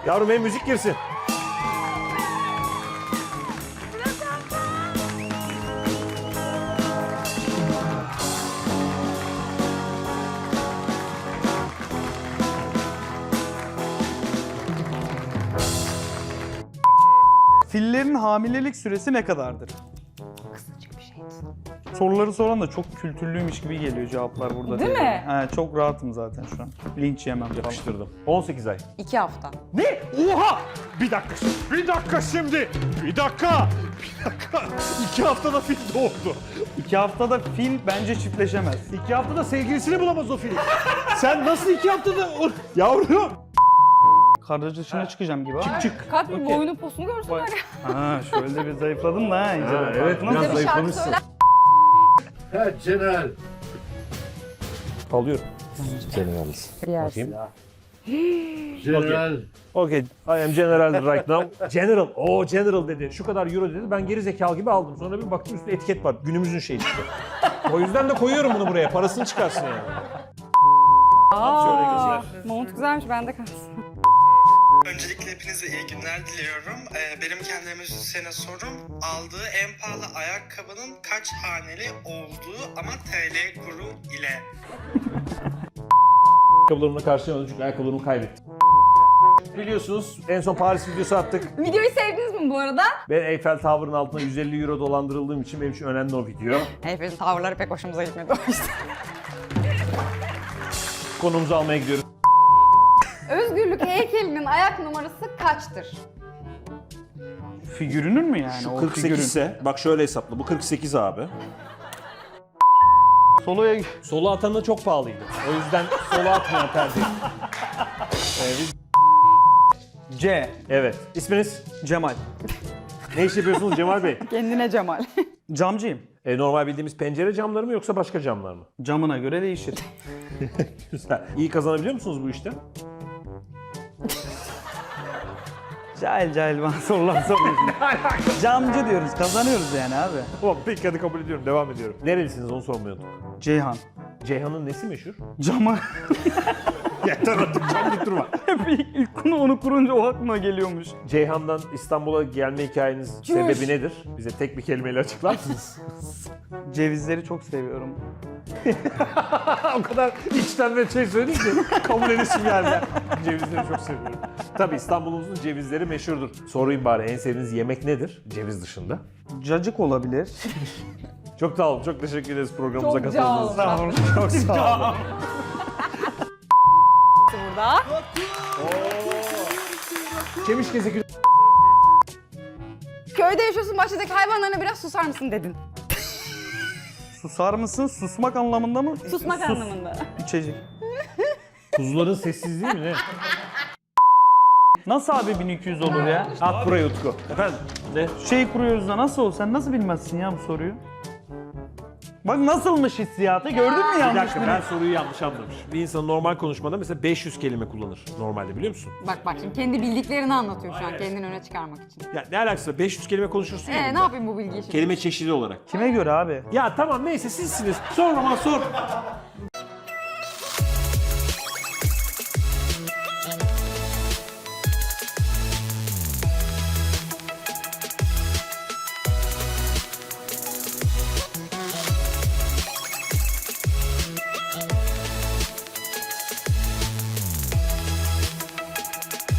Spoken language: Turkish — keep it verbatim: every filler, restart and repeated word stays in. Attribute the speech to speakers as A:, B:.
A: Yavrum benim müzik girsin.
B: Fillerin hamilelik süresi ne kadardır?
C: Kısacık bir şeydi.
B: Soruları soran da çok kültürlüymüş gibi geliyor cevaplar burada.
C: Değil mi?
B: He, çok rahatım zaten şu an. Linç yemem falan.
A: Yapıştırdım. on sekiz ay.
C: İki hafta.
A: Ne? Oha! Bir dakika şimdi. Bir dakika şimdi. Bir dakika. Bir dakika. İki haftada fil doğdu.
B: İki haftada fil bence çiftleşemez.
A: İki haftada sevgilisini bulamaz o fil. Sen nasıl iki haftada... Yavrum.
B: Kardeş dışına çıkacağım gibi. Çık
A: Çık.
C: Kalk bir
B: Okey.
C: boynu posunu görsün var ya.
B: Ha şöyle bir zayıfladım da ha. iyice
A: Ha,
B: bak.
A: evet,
B: Nasıl?
A: biraz
C: Bir şarkı
A: zayıflamışsın.
C: söyler.
D: Evet General.
A: Alıyorum.
C: Yersin.
D: General.
A: Okay, I am general right now. General, o general dedi. Şu kadar euro dedi. Ben geri zekalı gibi aldım. Sonra bir baktım üstünde etiket var. Günümüzün şeyi işte. O yüzden de koyuyorum bunu buraya. Parasını çıkarsın yani.
C: Aa, mont güzelmiş, bende kalsın.
E: Öncelikle hepinize iyi günler diliyorum. Ee, benim kendime müzisyene sorum, aldığı en pahalı ayakkabının kaç haneli olduğu ama T L kuru ile.
A: Ayakkabılarımla karşılayamadım çünkü ayakkabılarımı kaybettim. Biliyorsunuz en son Paris videosu attık.
C: Videoyu sevdiniz mi bu arada?
A: Ben Eiffel Tower'ın altına yüz elli euro dolandırıldığım için benim için önemli o video.
C: Hepimizin tavırları pek hoşumuza gitmedi o yüzden.
A: Konumuzu almaya gidiyoruz.
C: Özgürlük heykelinin ayak numarası kaçtır?
B: Figürünün mü yani?
A: Şu
B: o
A: kırk sekiz
B: figürün?
A: ise, bak şöyle hesapla, bu kırk sekiz abi.
B: Soloya
A: Solo atanı çok pahalıydı. O yüzden solo atmayan tercih. Ee, biz...
B: C.
A: Evet. İsminiz?
B: Cemal.
A: Ne iş yapıyorsunuz Cemal Bey?
C: Kendine Cemal.
B: Camcıyım.
A: E, normal bildiğimiz pencere camları mı yoksa başka camlar mı?
B: Camına göre değişir.
A: Güzel. İyi kazanabiliyor musunuz bu işte?
B: Cahil cahil bana sorular soruyorsun. Camcı diyoruz, kazanıyoruz yani abi.
A: Tamam peki hadi kabul ediyorum. Devam ediyorum. Nerelisiniz onu sormayı unuttuk.
B: Ceyhan.
A: Ceyhan'ın nesi meşhur?
B: Cama
A: Yeter artık cam dik durma.
B: hep ilk, ilk konu onu kurunca o aklıma geliyormuş.
A: Ceyhan'dan İstanbul'a gelme hikayeniz sebebi nedir? Bize tek bir kelimeyle açıklar mısınız?
B: Cevizleri çok seviyorum.
A: O kadar içten ve şey söyledin ki kabul edesim geldi. Cevizleri çok seviyorum. Tabii İstanbul'umuzun cevizleri meşhurdur. Sorayım bari en sevdiğiniz yemek nedir? Ceviz dışında.
B: Cacık olabilir.
A: Çok sağ olun. Çok teşekkür ederiz programımıza
C: Çok
A: katıldığınız için.
C: sağ olun.
A: Çok sağ olun.
C: Burada.
A: Kemiş gezeki.
C: Köyde yaşıyorsun, bahçedeki hayvanlarına biraz susar mısın dedin.
B: Susar mısın? Susmak anlamında mı?
C: Susmak
B: Sus.
C: anlamında.
B: İçecek.
A: Kuzuların sessizliği mi ne?
B: Nasıl abi bin iki yüz olur ya?
A: At buraya Utku. Efendim? Ne?
B: Şey kuruyoruz da nasıl ol? Sen nasıl bilmezsin ya bu soruyu? Bak nasılmış hissiyatı gördün mü
A: Bir
B: yanlış
A: dakika
B: mı?
A: ben soruyu yanlış anlamış. Bir insan normal konuşmada mesela beş yüz kelime kullanır normalde biliyor musun?
C: Bak bak şimdi kendi bildiklerini anlatıyor şu an kendini öne çıkarmak için.
A: Ya ne alakası var? beş yüz kelime konuşursun ya.
C: Ee ne
A: bunda.
C: yapayım bu bilgiyi şimdi?
A: Kelime çeşidi olarak.
B: Kime göre abi?
A: Ya tamam neyse sizsiniz. Sor ama sor.